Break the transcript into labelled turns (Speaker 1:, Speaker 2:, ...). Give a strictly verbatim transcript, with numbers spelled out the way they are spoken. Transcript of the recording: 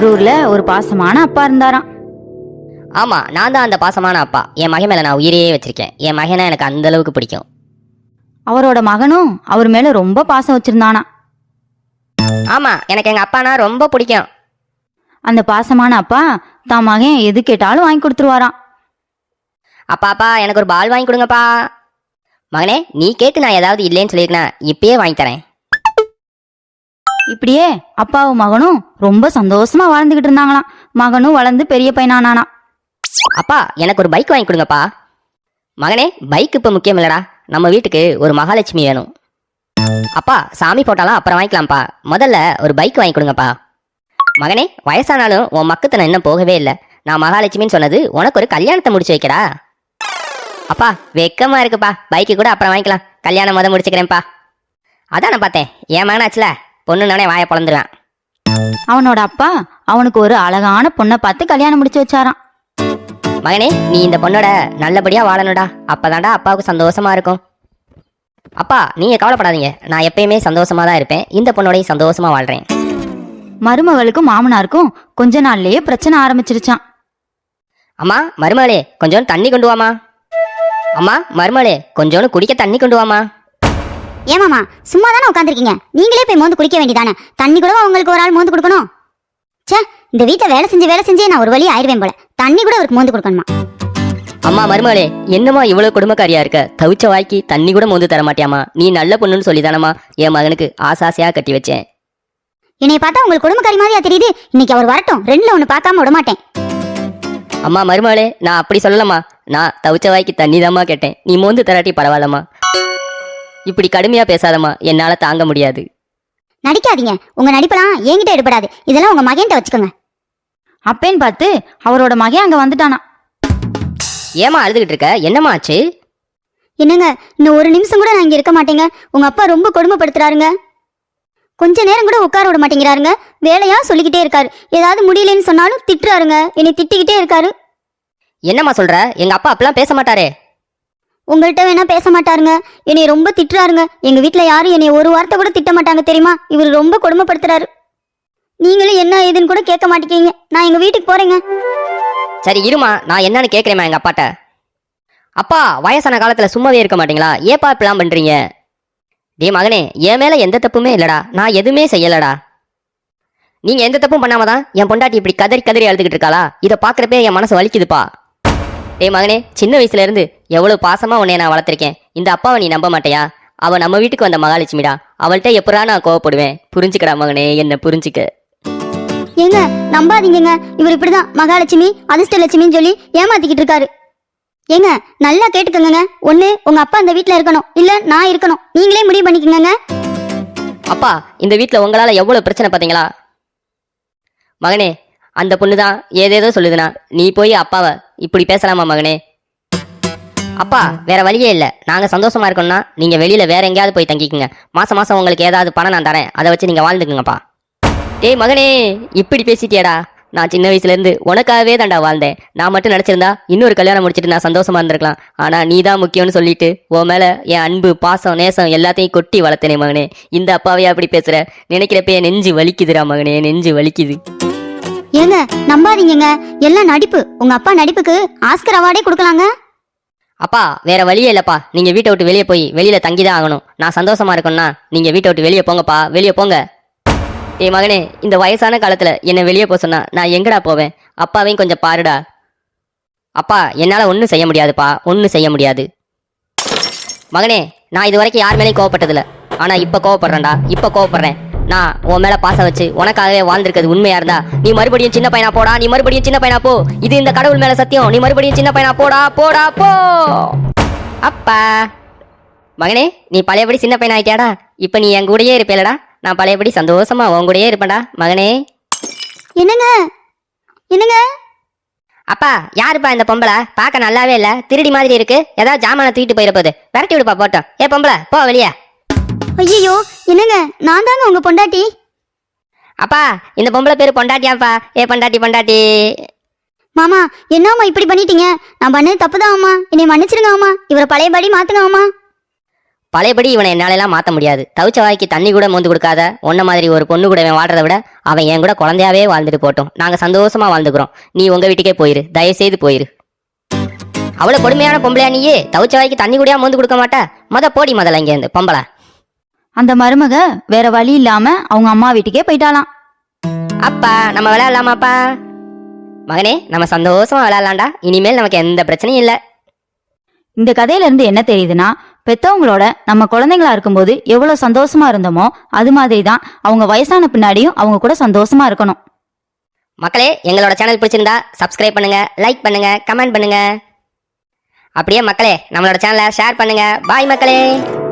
Speaker 1: ஊர்ல ஒரு பாசமான அப்பா இருந்தாராம்.
Speaker 2: ஆமா, நான் தான் அந்த பாசமான அப்பா. என் மகன் மேல நான் உயிரையே வச்சிருக்கேன். என் மகனை எனக்கு அந்த அளவுக்கு பிடிக்கும்.
Speaker 1: அவரோட மகனும் அவர் மேல ரொம்ப பாசம் வச்சிருந்தானா.
Speaker 2: ஆமா, எனக்கு எங்க அப்பானா ரொம்ப பிடிக்கும்.
Speaker 1: அந்த பாசமான அப்பா தான் மகன் எது கேட்டாலும் வாங்கி கொடுத்துருவாராம்.
Speaker 2: அப்பா அப்பா எனக்கு ஒரு பால் வாங்கி கொடுங்கப்பா. மகனே, நீ கேட்டு நான் ஏதாவது இல்லைன்னு சொல்லியிருக்கேன், இப்பயே வாங்கி தரேன்.
Speaker 1: இப்படியே அப்பாவும் மகனும் ரொம்ப சந்தோஷமா வாழ்ந்துகிட்டு இருந்தாங்களாம். மகனும் வளர்ந்து பெரிய பையனானானா.
Speaker 2: அப்பா எனக்கு ஒரு பைக் வாங்கி கொடுங்கப்பா. மகனே, பைக் இப்ப முக்கியம் இல்லடா, நம்ம வீட்டுக்கு ஒரு மகாலட்சுமி வேணும். அப்பா சாமி போட்டாலாம் அப்புறம் வாங்கிக்கலாம்ப்பா, முதல்ல ஒரு பைக் வாங்கி கொடுங்கப்பா. மகனே, வயசானாலும் உன் மக்கத்தை இன்னும் போகவே இல்லை. நான் மகாலட்சுமின்னு சொன்னது உனக்கு ஒரு கல்யாணத்தை முடிச்சு வைக்கடா. அப்பா வெக்கமா இருக்குப்பா, பைக்கு கூட அப்புறம் வாங்கிக்கலாம், கல்யாணம் முத முடிச்சுக்கிறேன்ப்பா. அதான் நான் பார்த்தேன், என் மகனாச்சுல பொண்ணுனானே வாயை பொழந்துருவேன்.
Speaker 1: அவனோட அப்பா அவனுக்கு ஒரு அழகான பொண்ணை பார்த்து கல்யாணம் முடிச்சு வச்சாராம்.
Speaker 2: மகனே, நீ இந்த பொண்ணோட நல்லபடியா வாழணும்டா, அப்பதான்டா அப்பாவுக்கு சந்தோஷமா இருக்கும். அப்பா நீங்க கவலைப்படாதீங்க, நான் எப்பயுமே சந்தோஷமா தான் இருப்பேன். இந்த பொண்ணோடையும் சந்தோஷமா வாழ்றேன்.
Speaker 1: மருமகளுக்கும் மாமனாருக்கும் கொஞ்ச நாள்லயே பிரச்சனை ஆரம்பிச்சிருச்சான்.
Speaker 2: அம்மா மருமகளே, கொஞ்சோண்டு தண்ணி கொண்டு வாமா. அம்மா மருமகளே, கொஞ்சோண்டு குடிக்க தண்ணி கொண்டு வாமா.
Speaker 3: ஏமாமா சும்மா தானே உட்காந்துருக்கீங்க, நீங்களே போய் மோந்து குடிக்க வேண்டியதானே. தண்ணி கூட உங்களுக்கு ஒரு ஆள் மோந்து கொடுக்கணும். சே, இந்த வீட்டில் வேலை செஞ்சு வேலை செஞ்சே நான் ஒரு வழி ஆயிடுவேன் போல. தண்ணி கூட அவருக்கு மோந்து கொடுக்கணுமா?
Speaker 2: அம்மா மருமகளே, என்னம்மா இவ்வளவு குடும்பக்காரியா இருக்க, தவிச்ச வாய்க்கு தண்ணி கூட மோந்து தர மாட்டியாமா? நீ நல்ல பொண்ணுன்னு சொல்லி தானம்மா என் மகனுக்கு ஆசாசையா கட்டி வச்சேன்.
Speaker 3: என்னைய பார்த்தா உங்களுக்கு குடும்பக்காரி மாதிரியா தெரியுது? இன்னைக்கு அவர் வரட்டும், ரெண்டுல ஒண்ணு பார்க்காம விட மாட்டேன்.
Speaker 2: அம்மா மருமகளே, நான் அப்படி சொல்லலம்மா, நான் தவிச்ச வாய்க்கு தண்ணி தாம்மா கேட்டேன். நீ மோந்து தராட்டி பரவாயில்லம்மா. இப்படி கடுமையா பேசாதம்மா, என்னால தாங்க முடியாது.
Speaker 3: நடிக்காதீங்க, உங்க நடிப்பெல்லாம் என்கிட்ட எடுபடாது. இதெல்லாம் உங்க மகன்கிட்ட வச்சுக்கோங்க.
Speaker 1: அப்பேன்னு பார்த்து அவரோட மகன் அங்க வந்துட்டானா.
Speaker 2: ஏமா அழுதுகிட்டு இருக்க, என்னம்மா ஆச்சு?
Speaker 3: என்னங்க, இன்னும் ஒரு நிமிஷம் கூட நான் இங்க இருக்க மாட்டேங்க. உங்க அப்பா ரொம்ப கொடுமைப்படுத்துறாருங்க. கொஞ்ச நேரம் கூட உட்கார விட மாட்டேங்கிறாருங்க. வேலையா சொல்லிக்கிட்டே இருக்காரு. ஏதாவது முடியலன்னு சொன்னாலும் திட்டுறாருங்க. என்னை திட்டிக்கிட்டே இருக்காரு.
Speaker 2: என்னம்மா சொல்ற? எங்க அப்பா அப்பெல்லாம் பேச மாட்டாரே.
Speaker 3: உங்கள்கிட்ட வேணா பேச மாட்டாருங்க, என்னை ரொம்ப திட்டுறாருங்க. எங்க வீட்டுல யாரும் என்னை ஒரு வார்த்தை கூட திட்ட மாட்டாங்க தெரியுமா? இவர் ரொம்ப கொடுமைப்படுத்துறாரு. நீங்களும் என்ன ஏதுன்னு கூட கேட்க மாட்டேங்க. நான் எங்க வீட்டுக்கு போறேங்க.
Speaker 2: சரி இருமா, நான் என்னன்னு கேட்கிறேம்மா எங்க அப்பாட்ட. அப்பா வயசான காலத்துல சும்மாவே இருக்க மாட்டீங்களா? ஏப்பா இப்பெல்லாம் பண்றீங்க? டே மகனே, என் மேல எந்த தப்புமே இல்லடா, நான் எதுவுமே செய்யலடா. நீங்க எந்த தப்பும் பண்ணாமதான் என் பொண்டாட்டி இப்படி கதறி கதறி அழுதுகிட்டு இருக்காளா? இதை பாக்குறப்பே என் மனசு வலிக்குதுப்பா. டே மகனே, சின்ன வயசுல இருந்து எவ்வளவு பாசமா உன்னை நான் வளர்த்திருக்கேன். இந்த அப்பாவை நீ நம்ப மாட்டியா? அவ நம்ம வீட்டுக்கு வந்த மகாலட்சுமிடா, அவள்கிட்ட எப்படா நான் கோவப்படுவேன்? புரிஞ்சுக்கடா மகனே, என்ன புரிஞ்சுக்க.
Speaker 3: ஏங்க நம்பாதீங்க, இவர் இப்படிதான் மகாலட்சுமி அதிர்ஷ்டலட்சுமின்னு சொல்லி ஏமாத்திக்கிட்டு இருக்காரு. ஏங்க நல்லா கேட்டுக்கோங்க, ஒண்ணு உங்க அப்பா இந்த வீட்டுல இருக்கணும், இல்ல நான் இருக்கணும். நீங்களே முடிவு பண்ணிக்கோங்க.
Speaker 2: அப்பா இந்த வீட்டுல உங்களால எவ்வளவு பிரச்சனை பாத்தீங்களா? மகனே, அந்த பொண்ணுதான் ஏதேதோ சொல்லுதுனா நீ போய் அப்பாவை இப்படி பேசலாமா மகனே? அப்பா வேற வழியே இல்லை, நாங்க சந்தோஷமா இருக்கோம்னா நீங்க வெளியில வேற எங்கேயாவது போய் தங்கிக்குங்க. மாசம் மாசம் உங்களுக்கு ஏதாவது பணம் நான் தரேன், அதை வச்சு நீங்க வாழ்ந்துக்குங்கப்பா. டேய் மகனே, இப்படி பேசிட்டியடா. நான் சின்ன வயசுல இருந்து உனக்காகவே தான்டா வாழ்ந்தேன். நான் மட்டும் நினைச்சிருந்தா இன்னொரு கல்யாணம் முடிச்சிட்டு நான் சந்தோஷமா இருந்திருக்கலாம். ஆனா நீ தான் முக்கியம்னு சொல்லிட்டு உன் மேல என் அன்பு பாசம் நேசம் எல்லாத்தையும் கொட்டி வளர்த்தனே மகனே. இந்த அப்பாவையா அப்படி பேசுற? நினைக்கிறப்ப என் நெஞ்சு வலிக்குதுடா மகனே, நெஞ்சு வலிக்குது.
Speaker 3: ஏங்க நம்பாதீங்க, எல்லாம் நடிப்பு. உங்க அப்பா நடிப்புக்கு ஆஸ்கர் அவார்டே கொடுக்கலாங்க.
Speaker 2: அப்பா வேற வழியே இல்லப்பா, நீங்க வீட்டை விட்டு வெளியே போய் வெளியில தங்கிதான் ஆகணும். நான் சந்தோஷமா இருக்கணும்னா நீங்க வீட்டை விட்டு வெளியே போங்கப்பா, வெளியே போங்க. ஏய் மகனே, இந்த வயசான காலத்துல என்ன வெளியே போக சொன்னா நான் எங்கடா போவேன்? அப்பாவையும் கொஞ்சம் பாருடா. அப்பா என்னால ஒன்னும் செய்ய முடியாதுப்பா, ஒன்னும் செய்ய முடியாது. மகனே, நான் இது வரைக்கும் யார் மேலேயும் கோவப்பட்டதில்ல, ஆனா இப்ப கோவப்படுறேன்டா, இப்ப கோவப்படுறேன். நான் உன் மேல பாசம் வச்சு உனக்காகவே வாழ்ந்திருக்கிறது உண்மையா இருந்தா நீ மறுபடியும் சின்ன பையனா போடா, நீ மறுபடியும் சின்ன பையனா போ. இது இந்த கடவுள் மேல சத்தியம், நீ மறுபடியும் சின்ன பையனா போடா, போடா போ. அப்பா மகனே, நீ பழையபடி சின்ன பையனா ஆயிட்டியாடா. இப்ப நீ என் கூடயே இருப்பேலடா, நான் பழையபடி சந்தோஷமா உன் கூடயே இருப்பேன்டா மகனே.
Speaker 3: என்னங்க என்னங்க?
Speaker 2: அப்பா யாருப்பா இந்த பொம்பளை? பார்க்க நல்லாவே இல்ல, திருடி மாதிரி இருக்கு. ஏதாவது ஜாமான தூக்கிட்டு போயிட போகுது, விரட்டி விடுப்பா போட்டோம். ஏ பொம்பளை போ வெளியே.
Speaker 3: ஐயோ என்னங்க, நான் தாங்க உங்க பொண்டாட்டி.
Speaker 2: அப்பா இந்த பொம்பளை பேரு பொண்டாட்டியாப்பா. ஏ பொண்டாட்டி பொண்டாட்டி.
Speaker 3: மாமா என்னம்மா இப்படி பண்ணிட்டீங்க? நான் பண்ணது தப்புதான் அம்மா, என்னை மன்னிச்சிருங்க அம்மா. இவரை பழையபடி மாத்துங்க அம்மா.
Speaker 2: பழையபடி இவனை என்னாலெல்லாம் மாத்த முடியாது. தவிச்ச வாய்க்கு தண்ணி கூட மோந்து கொடுக்காத உன்ன மாதிரி ஒரு பொண்ணு கூட இவன் வாழ்றதை விட அவன் என் கூட குழந்தையாவே வாழ்ந்துட்டு போட்டோம். நாங்க சந்தோஷமா வாழ்ந்துக்கிறோம். நீ உங்க வீட்டுக்கே போயிரு, தயவு செய்து போயிரு. அவ்வளவு கொடுமையான பொம்பளையா நீயே? தவிச்ச வாய்க்கு தண்ணி கூடயா மோந்து கொடுக்க மாட்டா? மொத போடி முதல்ல இங்க இருந்து பொம்பளை.
Speaker 1: அந்த மருமக வேற வழி இல்லாம அவங்க அம்மா வீட்டுக்கே போயிட்டாளாம்.
Speaker 2: அப்பா நம்ம விளையாடலாமாப்பா? மகனே நம்ம சந்தோஷமா விளையாடலாம்டா. இனிமேல் நமக்கு எந்த பிரச்சனையும் இல்ல.
Speaker 1: இந்த கதையில இருந்து என்ன தெரியுதுன்னா, பெத்தவங்களோட நம்ம குழந்தைங்களா இருக்கும்போது எவ்வளவு சந்தோஷமா இருந்தோமோ அது மாதிரி தான் அவங்க வயசான பின்னாடியும் அவங்க கூட சந்தோஷமா இருக்கணும்.
Speaker 2: மக்களே, எங்களோட சேனல் பிடிச்சிருந்தா சப்ஸ்கிரைப் பண்ணுங்க, லைக் பண்ணுங்க, கமெண்ட் பண்ணுங்க. அப்படியே மக்களே நம்மளோட சேனலை ஷேர் பண்ணுங்க. பாய் மக்களே.